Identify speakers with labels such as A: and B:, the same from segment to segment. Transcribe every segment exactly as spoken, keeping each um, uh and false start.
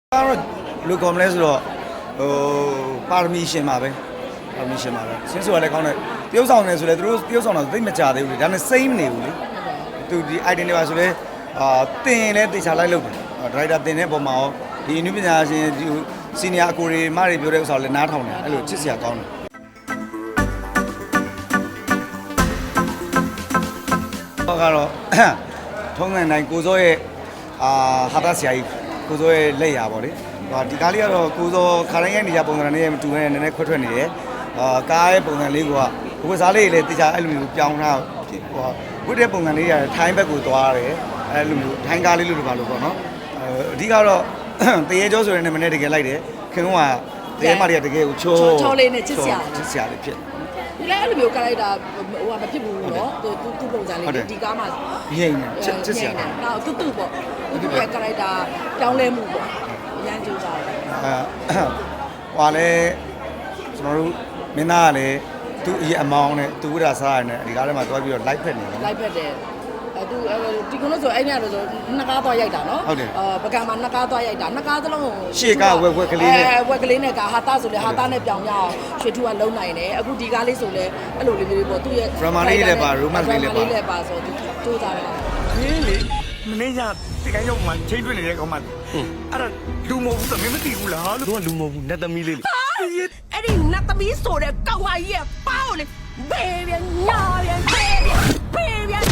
A: ကတော့လူကောမလဲဆိုတော့ဟိုပါရမီရှင်ပါပဲပါရမီရှင်ပါပဲဆင်းဆိုရလဲကောင်းတယ်တရုပ်ဆောင်နေဆိုလဲသူတို့တရုပ်ဆောင်တော့သိမကြသေးဘူးလေဒါနဲ့စိမ့်မနေဘူးလေသူဒီ item တွေပါဆိုလဲအာတင်လဲတေချာလိုက်လို့ဒရိုက်တာတင်တဲ့ပုံမှာရောဒီအနုပညာရှင်ဒီစီနီယာအကိုတွေမတွေပြောတဲ့ဥစ္စာလည်းနားထောင်တယ်အဲ့လိုချစ်စရာကောင်းတယ်ကတော့ထုံးစံတိုင်းကိုစောရဲ့အာဟာတာဆရာကြီးကိုစောရဲ့လက်ရာပေါ့လေဟာဒီကားလေးကတော့ကိုစောခါတိုင်းရိုက်နေကြပုံစံနဲ့မတူနဲ့နည်းနည်းခွဲထွက်နေတယ်အာကားရဲ့ပုံစံလေးကဘဝစားလေးတွေလည်းတေချာအဲ့လိုမျိုးပြောင်းထားဟိုဝတ်တဲ့ပုံစံလေးရထိုင်းဘက်ကိုသွားတယ်အဲ့လိုမျိုးထိုင်းကားလေးလို့ပါလို့ပေါ့နော်အဓိကတော့တရေကျော်ဆိုရင်လည်းမနေ့တကယ်လိုက်တယ်ခင်ဗျားကတရေမတွေကတကယ်ကိုချိုး
B: ချောလေးနဲ့ချစ်စရာ
A: ချစ်စရာလေးဖြစ်
B: ဒီလည်းအဲ့လိုမျိုးကလိုက်တာဟိုကမဖြစ်ဘူးနော်သူသူပုံစံလေးဒီကားမှာ
A: ရိမ့်ချစ်ချစ်စရာ
B: နော်သူသူပေါ့သူသူရဲ့ကလိုက်တာပြောင်းလဲမှုပေါ့အရန်ကြိုးစားတယ်
A: အဲဟွာလဲကျွန်တော်တို့မင်းသားကလည်းသူ့အရင်အမောင်းနဲ့သူ့ဝိဒါစားရတယ်ဒီကားထဲမှာတွားပြီးတော့ live ဖက်နေတယ်
B: live ဖက်တယ်အဲသူဒီကုန်းလို့ဆိုအဲ့ညတော့ဆိုနှစ်ကားသွားရိုက်တာနော်
A: ဟုတ်တယ်
B: အာပကံမှာနှစ်ကားသွားရိုက်တာနှစ်ကားသလုံး
A: ရှေ့ကဝက်ဝက်ကလေးနဲ့
B: အဲဝက်ကလေးနဲ့ကဟာတာဆိုလေဟာတာနဲ့ပြောင်းရအောင်ရွှေထူကလုံးနိုင်တယ်အခုဒီကားလေးဆိုလေအဲ့လိုလေးလေးပေါ့သူ့ရဲ့
A: drama လေးလည်းပါ romance လေးလည်းပါ
B: လေးလည်းပါဆိုသူကြိုးစားတယ်
C: ဟင်းလေမင်းကဒီကရုံမှာချိန်တွေ့နေတဲ့ကောင်မအဲ့ဒါလူမဟုတ်ဘူးသမီးမသိဘူးလားလို့
D: သူကလူမဟုတ်ဘူးနတ်သမီးလေးလေ
B: အဲ့ဒီနတ်သမီးဆိုတဲ့ကောင်မကြီးရဲ့ပေါက်လေဘေးပြန်ညာပြန်ဘေးပြန်ဘေးပြန်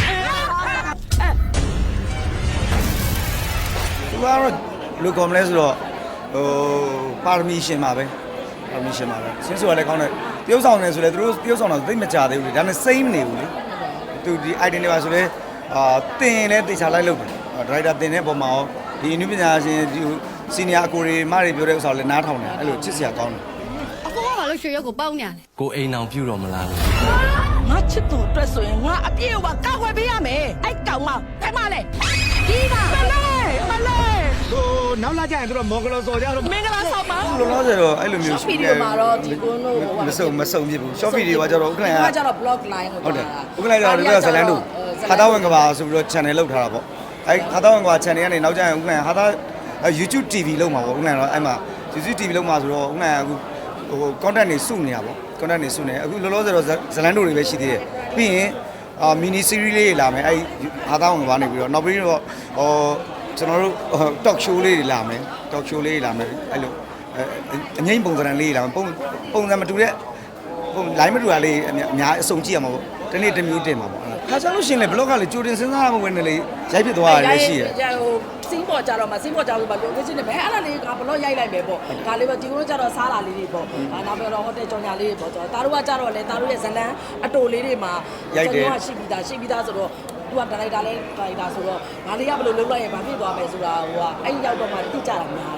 A: သူကတော့လူကောမလဲဆိုတော့ဟိုပါရမီရှင်ပါပဲပါရမီရှင်ပါပဲဆင်းဆိုရလဲကောင်းတယ်တရုပ်ဆောင်နေဆိုလဲသူတို့တရုပ်ဆောင်တော့သိမကြသေးဘူးလေဒါနဲ့စိမ့်မနေဘူးလေသူဒီ item တွေပါဆိုလဲအာတင်လဲတေချာလိုက်လို့ဒရိုက်တာတင်တဲ့ပုံမှာရောဒီအနုပညာရှင်ဒီစီနီယာအကိုတွေမတွေပြောတဲ့ဥစ္စာလည်းနားထောင်တယ်အဲ့လိုချစ်စရာကောင်းတယ်
E: အကိုကဘာလို့ရွှေရုပ်ကိုပေါက်နေရလဲ
D: ကိုအိမ်အောင်ပြုတော်မလားလို့
B: ငါချစ်သူအတွက်ဆိုရင်ငါအပြည့်အဝကောက်ွယ်ပေးရမယ်အဲ့ကောင်မဖဲမလဲဒီကမလေးမလေး
C: ဟိုနောက်လာကြရင်တို့မော်ဂလောစော်ကြတော့
B: မင်္ဂလာဆောင်ပါ
A: လောလောဆယ်တော့အဲ့လိုမျိုး
B: short video မှာတော့ဒီကုန်းတို့
A: မစုံမစုံပြဘူး short video ကကျတော့ဥက္ကဋ္ဌက
B: ကျတော့ blog line
A: ဟုတ်တယ်ဥက္ကဋ္ဌကဒီကဇလန်တို့ဟာတာဝင်ကဘာဆိုပြီးတော့ channel လောက်ထားတာပေါ့အဲ့ဟာတာဝင်ကဘာ channel ကနေနောက်ကျရင်ဥက္ကဋ္ဌဟာတာ YouTube တီ ဗီ လောက်မှာပေါ့ဥက္ကဋ္ဌတော့အဲ့မှာ YouTube တီ ဗီ လောက်မှာဆိုတော့ဥက္ကဋ္ဌကအခုဟို content တွေစုနေတာပေါ့ content တွေစုနေအခုလောလောဆယ်တော့ဇလန်တို့တွေပဲရှိသေးတယ်ပြီးရင်အာ mini series လေးလာမယ်အဲ့ဟာတာဝင်ကဘာနေပြီးတော့နောက်ပြီးတော့ဟိုကျွန်တော်တို့ talk show လေးတွေလာမယ် talk show လေးတွေလာမယ်အဲ့လိုအငိမ့်ပုံစံလေးလာမယ်ပုံပုံစံမတူတဲ့ပုံ line မတူတာလေးအများအစုံကြည့်ရမှာပေါ့တနေ့တစ်မျိုးတင်မှာပေါ့ခါချလို့ရှင်လေ blog ကလေကြိုတင်စဉ်းစားရမှာဝင်နေလေရိုက်ဖြစ်သွားရတယ်ရှိရ
B: ဟိုစင်းပေါ်ကြတော့မှစင်းပေါ်ကြလို့ပါလို့ကိုချင်းနေဘယ်အဲ့ဒါလေးကဘလို့ရိုက်လိုက်မယ်ပေါ့ဒါလေးပဲဒီကုန်းကြတော့စားလာလေးတွေပေါ့ဒါနောက်ပြီးတော့ဟိုတယ်ကြော်ညာလေးတွေပေါ့ဒါတို့ကကြတော့လေဒါတို့ရဲ့ဇလန်းအတိုလေးတွေမှာ
A: ရိုက်တယ်
B: ရှိပြီးသားရှိပြီးသားဆိုတော့သူကဒါလိုက်တာလဲဒါလိုက်တာဆိုတော့ငါလေးကဘယ်လိုလုပ်လိုက်ရင်ဘာဖြစ်သွားမယ်ဆိုတာဟိုကအဲ့ရောက်တော့မှတိကျတာများ